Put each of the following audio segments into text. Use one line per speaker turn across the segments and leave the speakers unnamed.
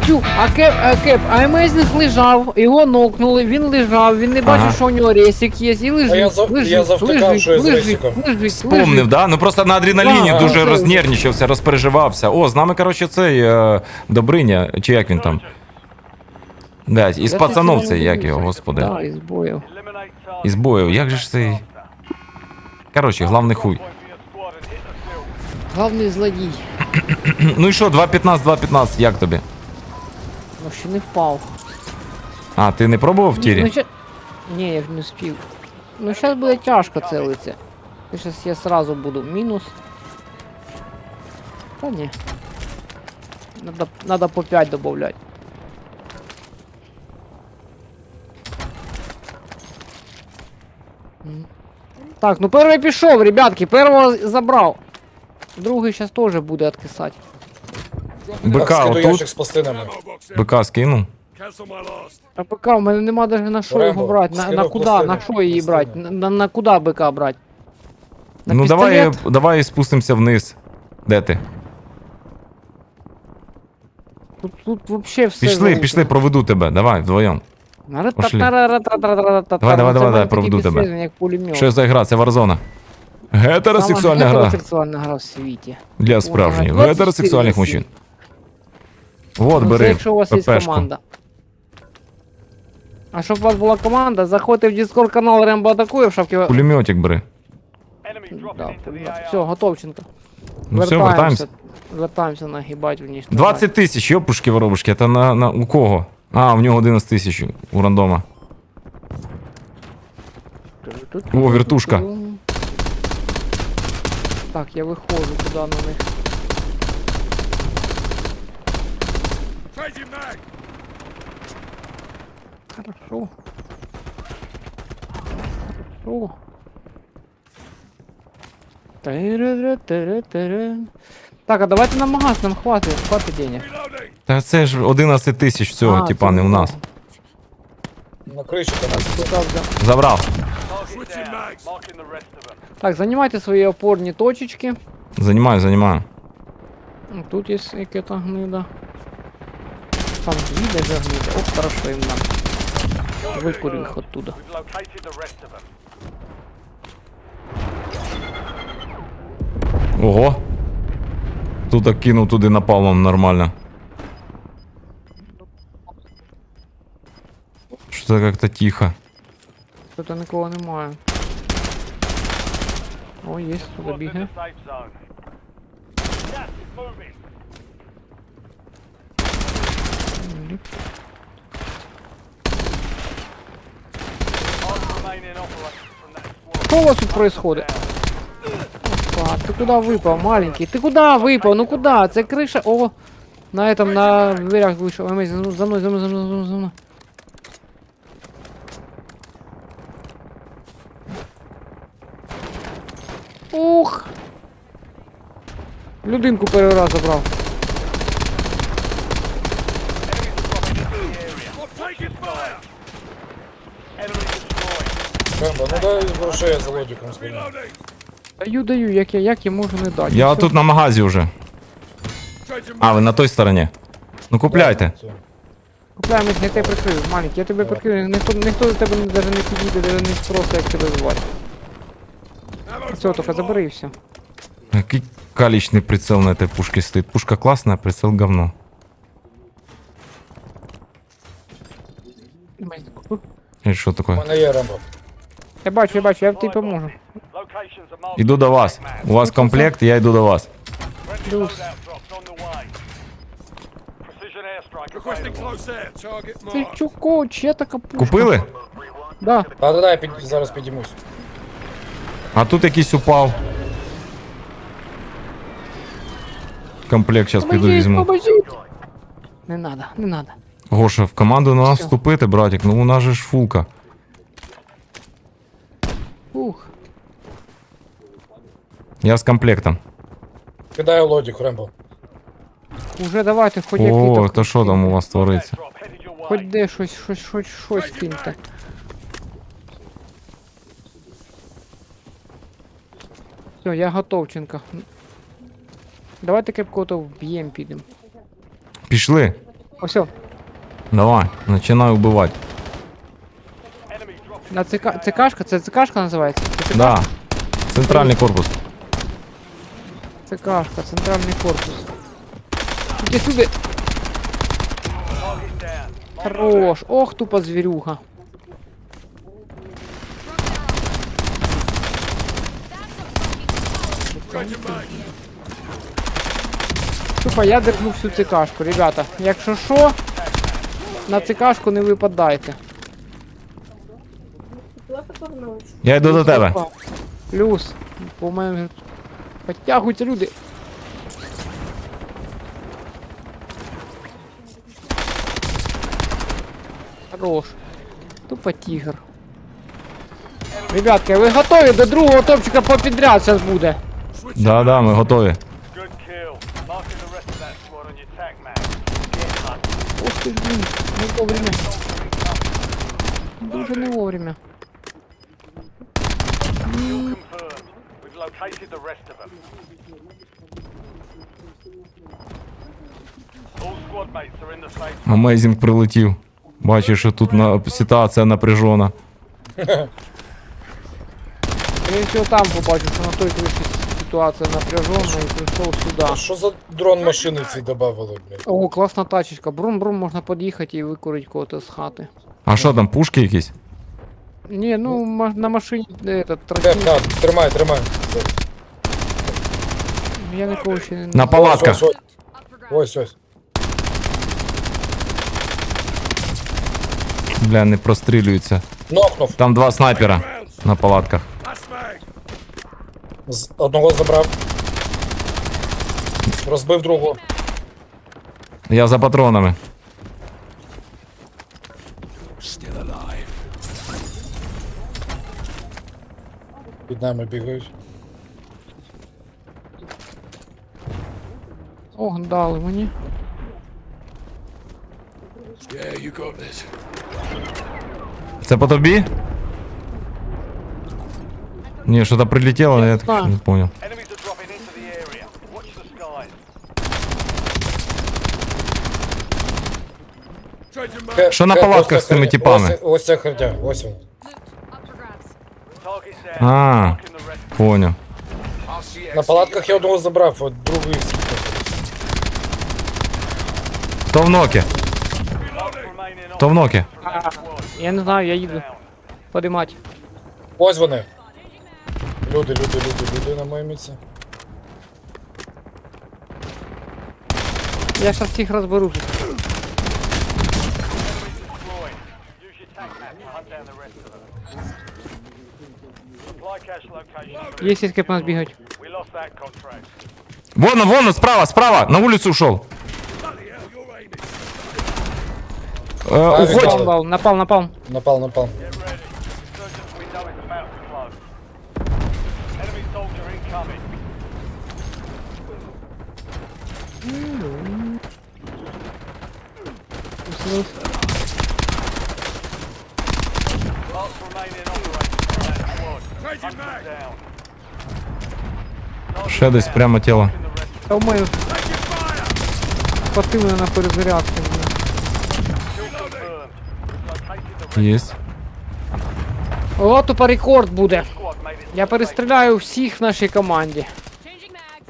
Тю, а Емейзінг лежав, його нокнули, він лежав, він не бачив, що у нього ресик є, і лежить,
А я завтикав, що я з ресиком.
лежить.
Да? Ну просто на адреналіні
Да,
дуже
це-
рознервничався, розпереживався. О, з нами, коротше, цей Добриня, чи як він там? Да, із
Я
пацанов
щось
цей,
не
як
дивлюся.
його, господи.
Да, із боїв.
Із боїв, як же ж цей... Коротше, главний хуй.
Главний злодій.
Ну і що, 2.15, як тобі?
Ну ще не впав.
А, ти не пробував в тірі?
Ну, ні, я ж не спів. Ну зараз буде тяжко целиться. І зараз я сразу буду мінус. Та ні. Надо по 5 добавлять. Так, ну перший пішов, ребятки, першого забрав. Другий зараз теж буде откисати.
БК
Так, скиду
отут,
ящик з пластинами.
БК скинув.
А БК, у мене нема навіть на що
Рембо,
його брати. На
скинув
куди?
пластини,
На що її брати?
пластини.
На куди БК брати? На
Ну
пістолет?
давай спустимося вниз. Де ти?
Тут вообще все.
Пішли, проведу тебе, давай, вдвоєм. Пошли. Давай, проведу тебе.
Як пулемет.
Що за гра? Це Варзона. Гетеросексуальна гра.
Гетеросексуальна гра в світі.
Для справжніх,
24
гетеросексуальних мужчин. Вот,
Ну, це
бери,
якщо у вас є
ППшку.
команда. А щоб у вас була команда, заходьте в Discord канал Рембо Атакує в шапці.
Пулеметик бери.
Да, все, Готовченко.
Ну все, вертаємося.
Вертаємося нагибать внешне.
20 тисяч, йопушки воробушки, це у кого? А, у нього 11 тисяч у рандома. О, вертушка.
Так, я виходжу туди на них. Хорошо. Хорошо. Тири-ри-тири-тири. Так, а давайте на магаз, нам хватить денег.
Та це ж 11 тисяч цього,
А,
типа,
це
не у нас.
На криші там.
Туди взяв.
Забрав.
Так, занимайте свои опорные точечки.
Занимаю.
Тут есть какая-то гнида. Там две даже гнида. Оп, хорошо им нам. Выкурим их оттуда.
Ого. Тут так кинув туди напалмом нормально. Что-то как-то тихо.
Тут никого немає. О, есть, туди бігає. Что у вас тут происходит? Опа, ты куда выпал, маленький? Ты куда выпал? Ну куда? Это крыша. О, на этом, на дверях вышел. Amazing. За мной. Ух! Людинку перший раз забрав.
Рембо, ну дай грошей, я за лодиком згину.
Даю, як я можу не дати.
Я
Все.
тут на магазі вже. А, ви на той стороні. Ну купляйте.
Купляємо, я тебе прикрию, маленький, я тебе прикрию, ніхто до тебе навіть не підійде, навіть не спросить, як тебе звати. Все, тільки забери і все.
Який калічний прицел на этой пушке стоит. Пушка классная, а прицел говно. І що
У
таке?
мене є Рембо.
Я бачу, я тобі поможу.
Іду до вас. У вас комплект, я йду до вас.
Плюс. Ти чуко, чия така пушка?
Купили?
Да.
Да, я зараз підіймусь.
А тут якийсь упав. Комплект зараз піду візьму.
Поможіть. Не надо.
Гоша, в команду на нас
Всё.
вступити, братик, ну у нас же ж фулка.
Ух.
Я з комплектом.
Кидаю лодик, Рембо.
Уже давайте, хоч який
О, то що там у вас твориться?
Хоч де щось киньте. Все, я готовченко. Давайте кепкото вб'єм підемо.
Пішли.
Ось.
Давай, начинай убивать.
На ЦКшка? Це ЦКшка називається? Це ЦК?
Да. Центральний корпус.
ЦКшка, центральний корпус. Іди сюди. Хорош. Ох, тупо звірюга. Тупо я держу всю ЦКшку, ребята. Якщо що, на ЦКшку не випадайте.
Я йду до тебе.
Опа. Плюс. По мене вже підтягуються люди. Хорош. Тупо тигр. Ребятки, ви готові до другого топчика попідряд зараз буде?
Да, ми готові.
Good kill. Marking the rest of that squad on your tac map. Get hunted.
Ух ти ж, блін, не вовремя. Дуже не вовремя.
Confirmed. We've located the rest of them. All squad mates are in the safe.
Амейзінг прилетів. Бачиш, що тут ситуація напряжена.
Я всього там побачив, що на той криші ситуація напряжена і прийшов сюди.
А що за дрон машини ці добавили, блядь?
О, класна тачечка. Брум-брум, можна під'їхати і викурити когось з хати.
А що там, пушки якісь?
Ні, ну на машині этот,
Теп,
тротил.
на, тримай.
Я нікого ще не...
На палатках.
Ось.
Бля, не прострілюються.
Нокнув.
Там два снайпера на палатках.
Одного забрав. Розбив другого.
Я за патронами.
Під нами бігають.
Ох, дали мені.
Це по тобі? Ні, що-то прилетіло, але я так не понял.
Enemies are dropping into the area. Watch the skies.
Що на палатках з цими типами?
Ось ця херня, ось він.
Target down.
А,
Marking the rest.
понял.
На палатках я одного забрав, от другий скіпнув.
Хто в нокі?
Last remaining
Хто в нокі?
Я не знаю, я їду. Подимать.
Ось вони. Люди на моєму місці.
Я зараз всіх розберу.
destroyed. Use your tac map to hunt down the rest of them. Supply cache location.
Є сітки по нас бігають.
We lost that contract.
Вон, справа, на улицу ушел. Уходь.
Напал.
Напал.
Get ready. Resurgence window is about to close. Enemy soldier incoming. Last remaining operator from that squad. Hunt them down.
Ще десь прямо тіло.
In the rest.
Та у мене хватило на перезарядку. блін.
Kill confirmed. We've located the rest.
Єсть.
О, тупо рекорд буде.
Squad made it.
Я перестріляю всіх в нашій команді.
Changing mags.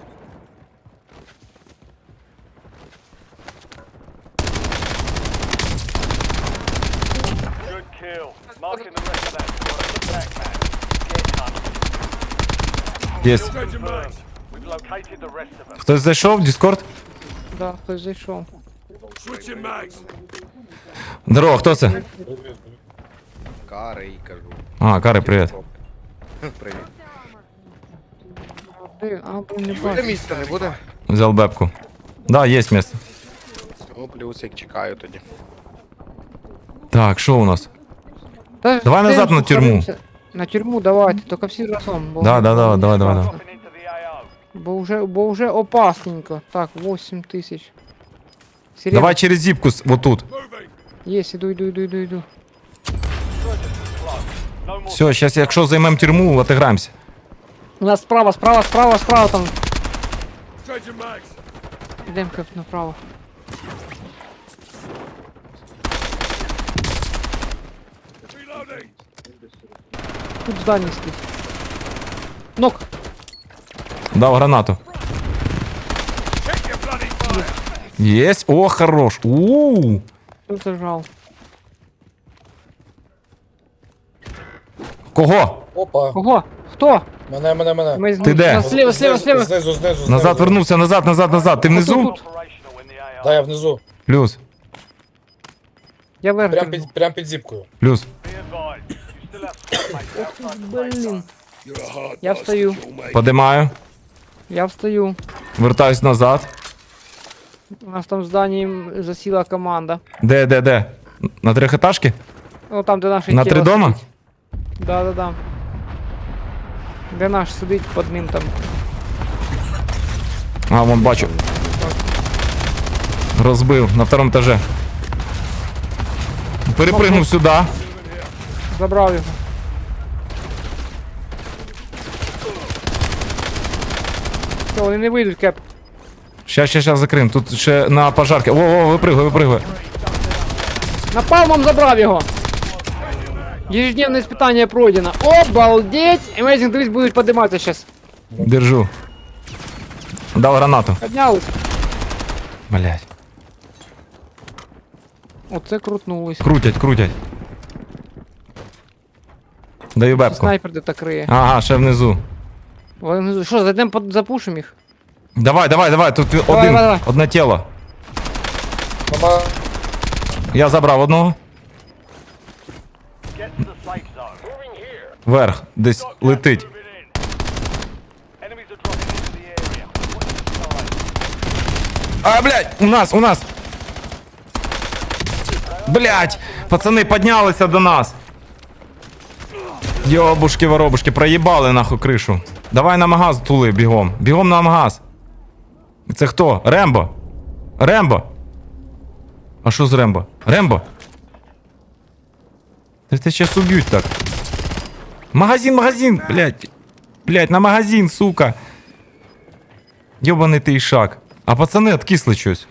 Good kill. Marking the rest of that squad on the attack map. Get hunted.
Єсть.
Confirmed. We've located the rest of them.
Хтось зайшов в Discord?
Да, хтось зайшов.
Здорово, хто це?
Кари, кажу.
А, Кари, привіт.
Привіт.
Ти, блін, не
Буде
бачу.
місця, не буде?
Взял бебку. Да, є місце.
О, плюсик, чекаю тоді.
Так, що у нас?
Та
Давай
ж
назад
ти
на тюрму.
сухаримся. На тюрму давайте, тільки всі разом. Бо,
Да.
Dropping into the AO.
бо вже опасненько. Так, 8 тисяч. Сирена.
Давай через зіпку отут.
Єсть, іду.
No more.
Все, зараз якщо займемо тюрму, отиграємося.
У нас справа там. Ідемо направо. Тут здання стоїть. Нок.
Дав гранату. Єсть. О, хорош. У-у-у.
Тут зажав.
Кого?
Опа.
Кого? Хто?
Мене.
Ми
Ти де?
Слева.
Знизу.
Назад вернувся, назад. Ти внизу?
Тут.
Operational in the AR.
Да, я внизу.
Плюс.
Я вверх.
Прям під зіпкою.
Плюс.
Be advised, you still have squad mates outside the safe zone.
Блін. Я встаю.
Подимаю.
Я встаю.
Вертаюсь назад.
У нас там в зданні засіла команда.
Де? На трьохетажки?
О, там, де наш
На три дома?
Да. Де наш сидить під ним там.
А, вон бачу. Розбив на второму етажі. Перепригнув сюди.
Забрав його. Все, вони не вийдуть, Кеп.
Щас закрим. Тут ще на пожарки. О, випригує.
Напалмом забрав його. Ежедневне испытание пройдено. Обалдеть! Amazing, дивись, будуть подиматися зараз.
Держу. Дав гранату.
Піднялись.
Блять.
Оце крутнулись.
Крутять. Даю бебку.
Снайпер де так криє.
Ага, ще внизу.
Вони внизу. Що, зайдемо запушимо їх?
Давай. Тут
Давай.
одне тіло.
Мама.
Я забрав одного.
Get to the safe zone. Moving here.
Вверх. Десь летить.
Moving in. Enemies are dropping into the area. Watch the side.
А, блядь, у нас. Блядь, пацани піднялися до нас. Йобушки-воробушки, проїбали нахуй кришу. Давай на магаз тули, бігом. Бігом на магаз. Це хто? Рембо? А що з Рембо? Ти щас уб'ють так. Магазин, блядь, на магазин, сука. Йобаний ти ішак. А пацани откисли щось.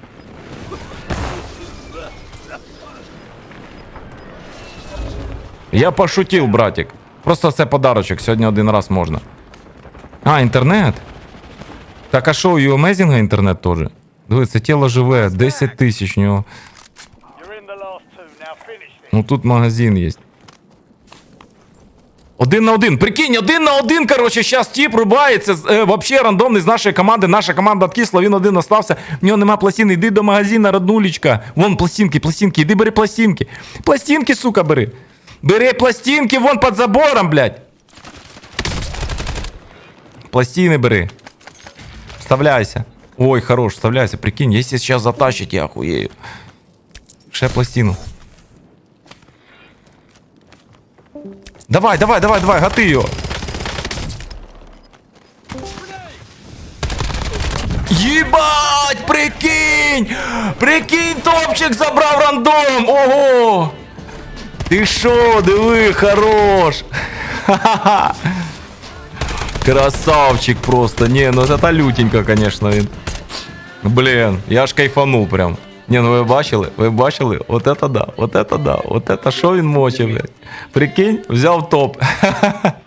Я пошутив, братик. Просто це подарочок, сьогодні один раз можна. А, інтернет? Так, а що, у Amazing інтернет теж? Диви, це тіло живе, 10 тисяч у нього.
You're in the last two. Now finish this.
Ну тут магазин є. 1 на 1. Прикинь, 1 на 1, короче, сейчас тип рубається. Вообще рандомний з нашої команди. Наша команда откисла, він один остався. В нього нема пластини. Йди до магазина, роднулечка. Вон пластинки. Іди бери пластинки. Пластинки, сука, бери. Бери пластинки вон під забором, блядь. Пластины бери. Вставляйся. Ой, хорош, вставляйся. Прикинь, если сейчас затащить, я охуею. Ще пластину. Давай, гати його. Єбать, прикинь, топчик забрав рандом. Ого. Ти шо, диви, хорош. Ха-ха-ха. Красавчик просто. Не, ну это лютенько, конечно. Блин, я аж кайфанул прям. Не, ну ви бачили? Вот это да. Вот это шо він мочив, блядь. Прикинь, взяв топ.